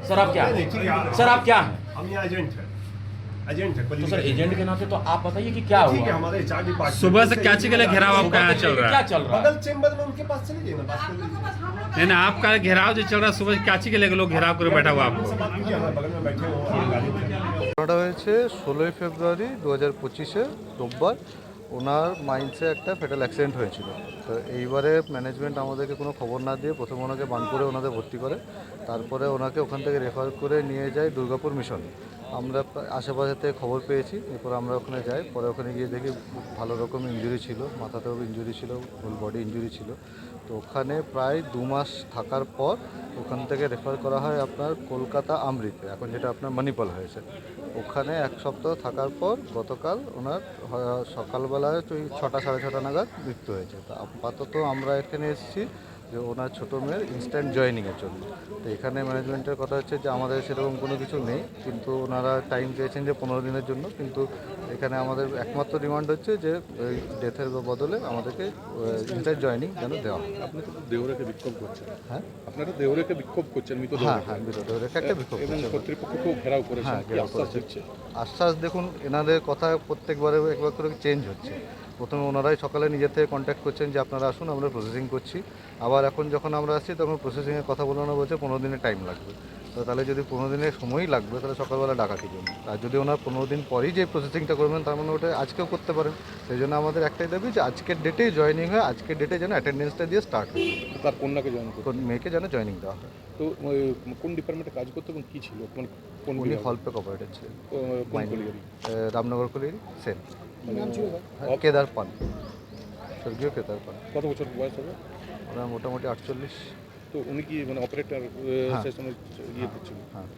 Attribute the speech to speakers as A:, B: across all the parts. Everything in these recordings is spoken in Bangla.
A: सर आप क्या
B: नहीं,
A: हैं?
B: ठीक है,
A: सर आप क्या हैं?
B: हम यहाँ एजेंट है, एजेंट है।
A: तो सर एजेंट के नाते तो आप बताइए कि क्या
B: ठीक है,
A: हुआ?
B: हमारे HR डिपार्टमेंट
C: सुबह से क्या चीज के लिए घेराव
A: सुबह
C: आपका यहाँ
A: से
C: चल
A: लेके
C: रहा
A: क्या
C: है?
A: चल रहा है?
B: बगल चेम्बर में उनके पास चले जाइए ना, बात कर लीजिए।
C: नहीं, आपका घेराव जो चल रहा है सुबह क्या चीज के लिए लोग घेराव कर बैठा हुआ आपको?
B: उनसे बात कीजिए, हमारे बगल में बैठे हो गाड़ी में।
D: ঘটনাটা হয়েছে 16ই ফেব্রুয়ারি 2025-এ রোববার। ওনার মাইন্সে একটা ফেটাল অ্যাক্সিডেন্ট হয়েছিল। তো এইবারে ম্যানেজমেন্ট আমাদেরকে কোনো খবর না দিয়ে প্রথমে ওনাকে বানপুরে ওনাদের ভর্তি করে, তারপরে ওনাকে ওখান থেকে রেফার করে নিয়ে যায় দুর্গাপুর মিশনে। আমরা আশেপাশে থেকে খবর পেয়েছি, এরপর আমরা ওখানে যাই। পরে ওখানে গিয়ে দেখি ভালো রকম ইনজুরি ছিল, মাথাতেও ইনজুরি ছিল, ফুল বডি ইনজুরি ছিল। তো ওখানে প্রায় 2 মাস থাকার পর ওখান থেকে রেফার করা হয় আপনার কলকাতা আমৃতে, এখন যেটা আপনার মণিপাল হয়েছে। ওখানে 1 সপ্তাহ থাকার পর গতকাল ওনার সকালবেলায় ওই 6টা সাড়ে 6টা নাগাদ মৃত্যু হয়েছে। তো আপাতত আমরা এখানে এসেছি যে ওনার ছোটো মেয়ের ইনস্ট্যান্ট জয়েনিংয়ের জন্য। তো এখানে ম্যানেজমেন্টের কথা হচ্ছে যে আমাদের সেরকম কোনো কিছু নেই, কিন্তু ওনারা টাইম চেয়েছেন যে 15 দিনের জন্য। কিন্তু এখানে আমাদের একমাত্র ডিমান্ড হচ্ছে যে ওই ডেথের বদলে আমাদেরকে ইনস্ট্যান্ট জয়েনিং যেন দেওয়া হয়।
E: আপনি তো দেহরেখে বিক্ষোভ করছেন।
D: হ্যাঁ
E: আপনারা দেহরেখে বিক্ষোভ করছেন, মৃত
D: হ্যাঁ
E: দেহরেখে।
D: হ্যাঁ বিরোধী একটা বিক্ষোভ
E: এবং
D: করছে।
E: কর্তৃপক্ষকেও ঘেরাও করেছেন,
D: হ্যাঁ,
E: কি
D: ঘেরাও
E: আশ্বাস
D: করেছে।
E: দিচ্ছে?
D: আশ্বাস দেখুন, এনাদের কথা প্রত্যেকবারে একবার করে চেঞ্জ হচ্ছে। প্রথমে ওনারাই সকালে নিজের থেকে কন্ট্যাক্ট করছেন যে আপনারা আসুন, আমরা প্রসেসিং করছি। আবার এখন যখন আমরা আসছি তখন প্রসেসিংয়ের কথা বলে ওনারা বলছে 15 দিনের টাইম লাগবে। তো তাহলে যদি 15 দিনের সময়ই লাগবে তাহলে সকালবেলা ডাকা কী জন্য? আর যদি ওনার 15 দিন পরেই যে প্রসেসিংটা করবেন তার মানে ওটা আজকেও করতে পারেন। সেই জন্য আমাদের একটাই দাবি যে আজকের ডেটেই জয়েনিং হয়, আজকের ডেটে যেন অ্যাটেন্ডেন্সটা দিয়ে স্টার্ট হয়,
E: তার কন্যাকে জয়েন করতে।
D: কোন মেয়েকে যেন জয়েনিং দেওয়া হয়।
E: তো কোন ডিপার্টমেন্টে কাজ করতে এবং কী ছিল, মানে কোন
D: উনি
E: বিভাগে?
D: হলপেক অপারেটর ছিলেন,
E: কোন কলিগারি?
D: রামনগর কলিয়ারি সেন,
E: নাম ছিল
D: কেদার পান, স্বর্গীয় কেদার পান।
E: কত বছর বয়স হবে?
D: ওরা মোটামুটি 48।
E: তো উনি কি মানে অপারেটর
D: হ্যাঁ।
E: সেশনে ইয়ে করছিলেন?
D: হ্যাঁ,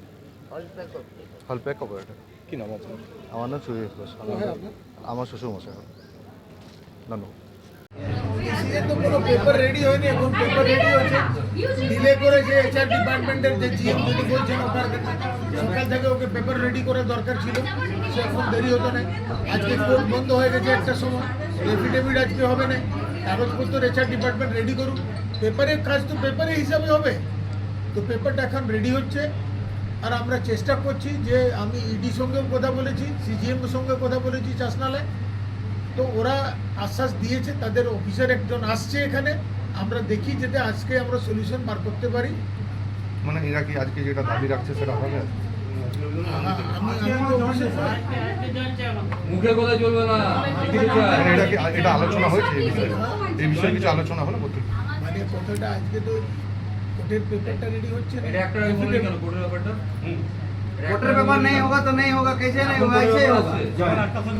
D: হলপ্যাক অপারেটর।
E: কি নাম আপনার?
D: আমার নাম সুরেশ ঘোষ, আমার শ্বশুর মশাই হবে। ধন্যবাদ।
F: এসিএ তো কোনো পেপার রেডি হয়নি, এখন পেপার রেডি হয়েছে, ডিলে করেছে HR ডিপার্টমেন্টের যে GM যদি বলছেন ওখান সকাল থেকে ওকে পেপার রেডি করা দরকার ছিল, সে এখন দেরি হতো না। আজকে কোর্ট বন্ধ হয়ে গেছে একটা সময়, এফিডেভিট আজকে হবে না, কাগজপত্র HR ডিপার্টমেন্ট রেডি করুন। পেপারের কাজ তো পেপারের হিসাবে হবে, তো পেপারটা এখন রেডি হচ্ছে। আর আমরা চেষ্টা করছি যে আমি ইডির সঙ্গেও কথা বলেছি, CGM এর সঙ্গে কথা বলেছি চাষনালায়। তো ওরা আশ্বাস দিয়েছে, তাদের অফিসার একজন আসছে এখানে, আমরা দেখি যাতে আজকে আমরা সলিউশন বার করতে পারি।
G: মানে এরা কি আজকে যেটা দাবি রাখছে সেটা হবে?
F: আমি তো অফিসে
A: মুখে কথা চলবে না।
G: মানে এটা আলোচনা হয়েছে এই বিষয়ে কিছু আলোচনা হলো?
F: মানে কথাটা আজকে তো কোর্টের পেপারটা রেডি হচ্ছে না।
A: কোর্টের ব্যাপারটা
H: वोटर पेपर नहीं होगा तो नहीं होगा, कैसे नहीं होगा, ऐसे ही होगा।